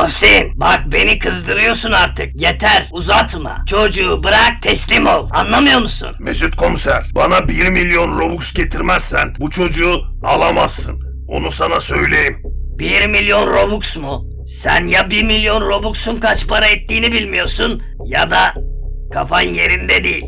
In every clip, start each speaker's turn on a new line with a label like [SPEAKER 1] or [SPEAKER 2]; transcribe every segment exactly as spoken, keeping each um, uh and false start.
[SPEAKER 1] Muhsin, bak beni kızdırıyorsun artık. Yeter, uzatma. Çocuğu bırak, teslim ol. Anlamıyor musun?
[SPEAKER 2] Mesut komiser, bana bir milyon Robux getirmezsen bu çocuğu alamazsın. Onu sana söyleyeyim.
[SPEAKER 1] Bir milyon Robux mu? Sen ya bir milyon Robux'un kaç para ettiğini bilmiyorsun ya da kafan yerinde değil.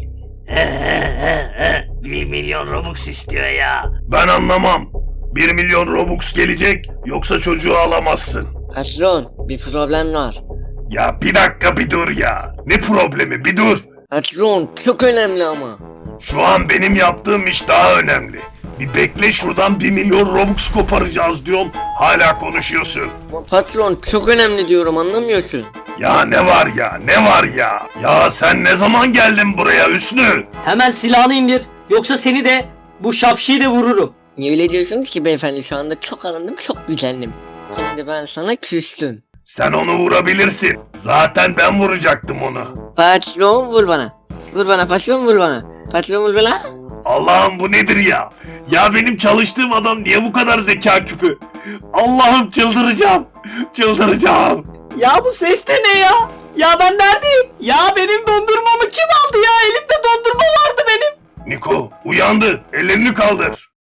[SPEAKER 1] Bir milyon Robux istiyor ya.
[SPEAKER 2] Ben anlamam. Bir milyon Robux gelecek yoksa çocuğu alamazsın.
[SPEAKER 3] Patron, bir problem var.
[SPEAKER 2] Ya bir dakika bir dur ya. Ne problemi bir dur.
[SPEAKER 3] Patron, çok önemli ama.
[SPEAKER 2] Şu an benim yaptığım iş daha önemli. Bir bekle, şuradan bir milyon Robux koparacağız diyorum. Hala konuşuyorsun.
[SPEAKER 3] Ama patron, çok önemli diyorum, anlamıyorsun.
[SPEAKER 2] Ya ne var ya ne var ya. Ya sen ne zaman geldin buraya Hüsnü?
[SPEAKER 4] Hemen silahını indir. Yoksa seni de bu şapşiyi de vururum.
[SPEAKER 3] Niye öyle diyorsunuz ki beyefendi, şu anda çok alındım, çok gücendim. Şimdi ben sana küstüm.
[SPEAKER 2] Sen onu vurabilirsin. Zaten ben vuracaktım onu.
[SPEAKER 3] Patron vur bana. Vur bana patron, vur bana. Patron vur bana.
[SPEAKER 2] Allah'ım bu nedir ya? Ya benim çalıştığım adam niye bu kadar zeka küpü? Allah'ım çıldıracağım. Çıldıracağım.
[SPEAKER 4] Ya bu ses de ne ya? Ya ben neredeyim? Ya benim dondurmamı kim aldı ya? Elimde dondurma vardı benim.
[SPEAKER 2] Niko uyandı. Ellerini kaldır.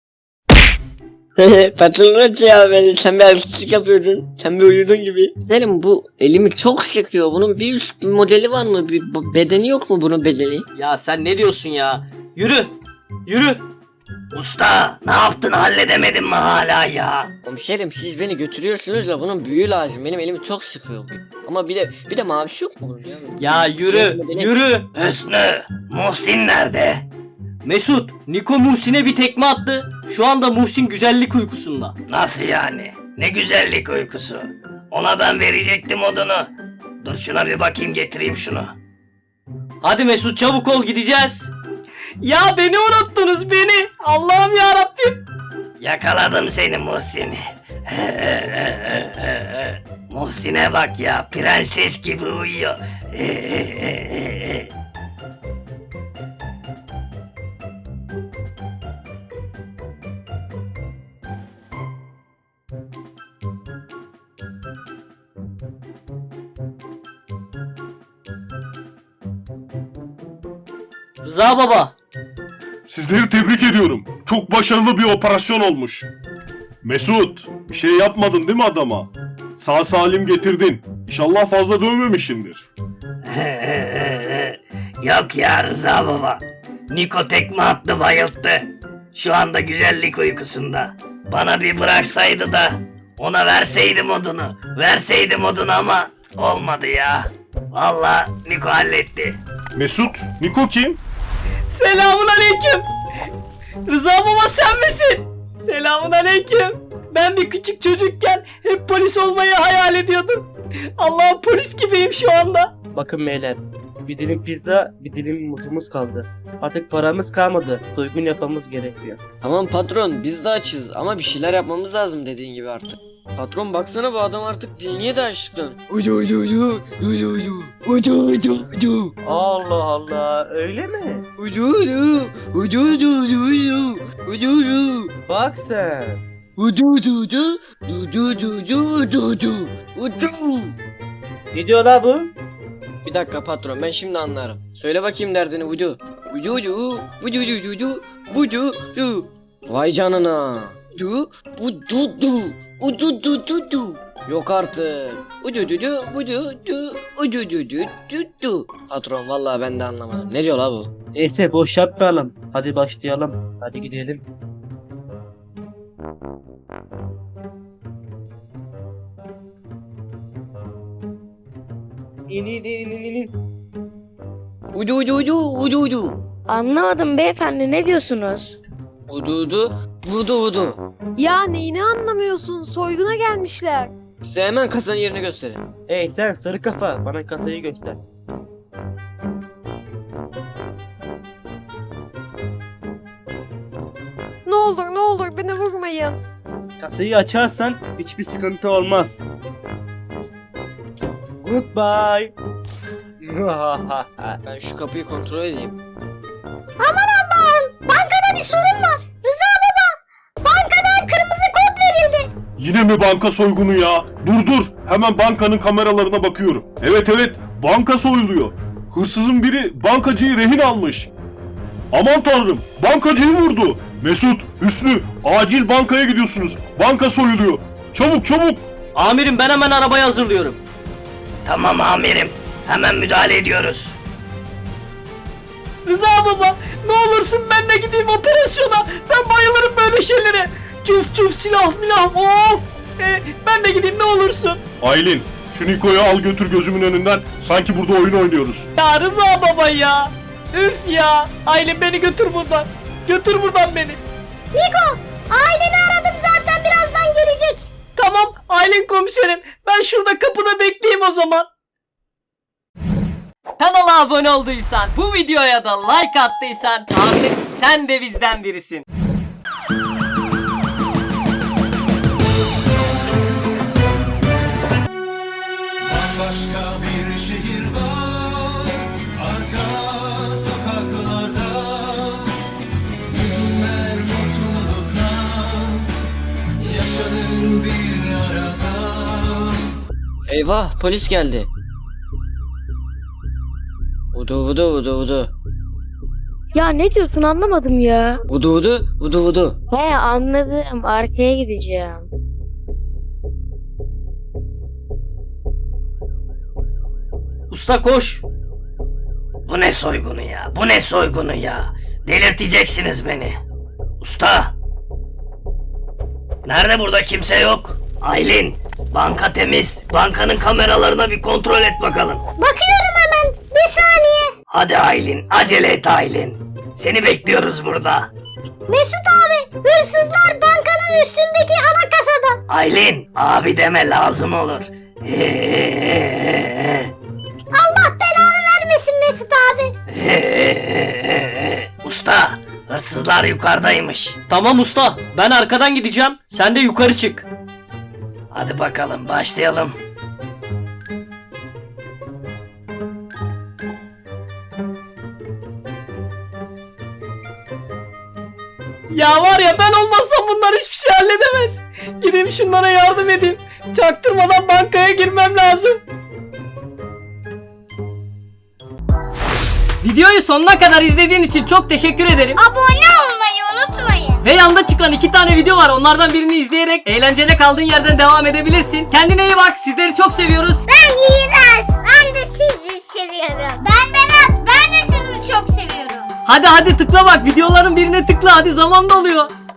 [SPEAKER 3] Patron ya, beni sen bir haksızlık yapıyordun. Sen bir uyudun gibi. Senin bu elimi çok sıkıyor. Bunun bir üst modeli var mı? Bir b- bedeni yok mu bunun bedeni?
[SPEAKER 4] Ya sen ne diyorsun ya? Yürü. Yürü.
[SPEAKER 1] Usta, ne yaptın, halledemedin mi hala ya?
[SPEAKER 3] Komiserim, siz beni götürüyorsunuz da bunun büyüğü lazım. Benim elimi çok sıkıyor. Ama bir de bir de mavisi yok mu bunun ya?
[SPEAKER 4] Ya yürü. Yürü.
[SPEAKER 1] Hüsnü, Muhsin nerede?
[SPEAKER 4] Mesut, Niko Muhsin'e bir tekme attı. Şu anda Muhsin güzellik uykusunda.
[SPEAKER 1] Nasıl yani? Ne güzellik uykusu. Ona ben verecektim odunu. Dur şuna bir bakayım, getireyim şunu.
[SPEAKER 4] Hadi Mesut, çabuk ol, gideceğiz. Ya beni unuttunuz, beni. Allah'ım ya Rabbim.
[SPEAKER 1] Yakaladım seni Muhsin. Muhsin'e bak ya, prenses gibi uyuyor.
[SPEAKER 4] Rıza baba.
[SPEAKER 2] Sizleri tebrik ediyorum. Çok başarılı bir operasyon olmuş. Mesut, bir şey yapmadın değil mi adama? Sağ salim getirdin. İnşallah fazla dövmemişsindir.
[SPEAKER 1] Yok ya Rıza baba. Niko tekme attı, bayılttı. Şu anda güzellik uykusunda. Bana bir bıraksaydı da ona verseydim odunu. Verseydim odunu ama olmadı ya. Vallahi Niko halletti.
[SPEAKER 2] Mesut, Niko kim?
[SPEAKER 4] Selamun aleyküm. Rıza baba sen misin? Selamun aleyküm. Ben bir küçük çocukken hep polis olmayı hayal ediyordum. Allah'ım, polis gibiyim şu anda.
[SPEAKER 5] Bakın beyler, bir dilim pizza, bir dilim muzumuz kaldı. Artık paramız kalmadı, doygun yapmamız gerekiyor.
[SPEAKER 3] Tamam patron, biz de açız ama bir şeyler yapmamız lazım dediğin gibi artık. Patron baksana, bu adam artık dinliyor da açlıktan. Uydu uydu uydu uydu uydu uydu uydu uydu
[SPEAKER 5] Allah Allah, öyle mi?
[SPEAKER 3] uydu uydu uydu uydu uydu uydu uydu
[SPEAKER 5] Bak sen.
[SPEAKER 3] uydu uydu uydu uydu uydu uydu uydu uydu.
[SPEAKER 5] Ne diyor la bu?
[SPEAKER 3] Bir dakika patron, ben şimdi anlarım. Söyle bakayım derdini uydu. Uydu uydu uydu uydu uydu uydu uydu. Vay canına. Du bu du du u du du du du. Yok artık. U du du du bu du du u du du du du du. Patron vallahi ben de anlamadım. Ne diyor la bu?
[SPEAKER 5] Neyse boş yapmayalım. Hadi başlayalım. Hadi gidelim. İn in in in in.
[SPEAKER 3] Udu udu udu udu udu.
[SPEAKER 6] Anlamadım beyefendi, ne diyorsunuz?
[SPEAKER 3] Udu udu vudu vudu.
[SPEAKER 7] Ya neyini anlamıyorsun? Soyguna gelmişler.
[SPEAKER 3] Size hemen kasanın yerini gösterin.
[SPEAKER 5] Hey sen sarı kafa, bana kasayı göster.
[SPEAKER 7] Ne olur ne olur beni vurmayın.
[SPEAKER 5] Kasayı açarsan hiçbir sıkıntı olmaz. Goodbye.
[SPEAKER 3] Ben şu kapıyı kontrol edeyim.
[SPEAKER 6] Aman Allah'ım, bankada bir sorun var. Rıza baba, bankadan kırmızı kod verildi.
[SPEAKER 2] Yine mi banka soygunu ya? Dur dur. Hemen bankanın kameralarına bakıyorum. Evet evet. Banka soyuluyor. Hırsızın biri bankacıyı rehin almış. Aman tanrım. Bankacıyı vurdu. Mesut, Hüsnü, acil bankaya gidiyorsunuz. Banka soyuluyor. Çabuk çabuk.
[SPEAKER 4] Amirim ben hemen arabayı hazırlıyorum.
[SPEAKER 1] Tamam amirim. Hemen müdahale ediyoruz.
[SPEAKER 4] Rıza baba ne olursun ben de gideyim operasyona. Ben bayılırım böyle şeylere. Cuf cuf silah milah. Oh. Ee, ben de gideyim ne olursun.
[SPEAKER 2] Aylin, şu Niko'yu al götür gözümün önünden. Sanki burada oyun oynuyoruz.
[SPEAKER 4] Ya Rıza baba ya. Üf ya. Aylin beni götür buradan. Götür buradan beni.
[SPEAKER 7] Niko, aileni aradım zaten birazdan gelecek.
[SPEAKER 4] Tamam Aylin komiserim. Ben şurada kapıda bekleyeyim o zaman. Kanala abone olduysan, bu videoya da like attıysan artık sen de bizden birisin.
[SPEAKER 8] Başka bir şehir var, arka sokaklarda hüzünler mutlulukla yaşanır bir arada.
[SPEAKER 3] Eyvah polis geldi. Vudu vudu vudu vudu.
[SPEAKER 6] Ya ne diyorsun anlamadım ya.
[SPEAKER 3] Vudu vudu vudu vudu.
[SPEAKER 6] He anladım, arkaya gideceğim.
[SPEAKER 4] Usta koş.
[SPEAKER 1] Bu ne soygunu ya? Bu ne soygunu ya? Delirteceksiniz beni. Usta. Nerede burada kimse yok? Aylin, banka temiz. Bankanın kameralarına bir kontrol et bakalım.
[SPEAKER 7] Bakıyorum hemen. Bir saniye.
[SPEAKER 1] Hadi Aylin, acele et Aylin. Seni bekliyoruz burada.
[SPEAKER 7] Mesut abi, hırsızlar bankanın üstündeki ana kasada.
[SPEAKER 1] Aylin, abi deme lazım olur.
[SPEAKER 7] Allah belanı vermesin Mesut abi.
[SPEAKER 1] Usta, hırsızlar yukarıdaymış.
[SPEAKER 4] Tamam usta ben arkadan gideceğim. Sen de yukarı çık.
[SPEAKER 1] Hadi bakalım başlayalım.
[SPEAKER 4] Ya var ya ben olmazsam bunlar hiçbir şey halledemez. Gideyim şunlara yardım edeyim. Çaktırmadan bankaya girmem lazım. Videoyu sonuna kadar izlediğin için çok teşekkür ederim.
[SPEAKER 6] Abone olmayı unutmayın.
[SPEAKER 4] Ve yanda çıkan iki tane video var. Onlardan birini izleyerek eğlencene kaldığın yerden devam edebilirsin. Kendine iyi bak. Sizleri çok seviyoruz.
[SPEAKER 6] Ben iğrenç. Ben de sizi seviyorum. Ben Berat. Ben de sizi çok seviyorum.
[SPEAKER 4] Hadi hadi tıkla bak. Videoların birine tıkla. Hadi zaman doluyor.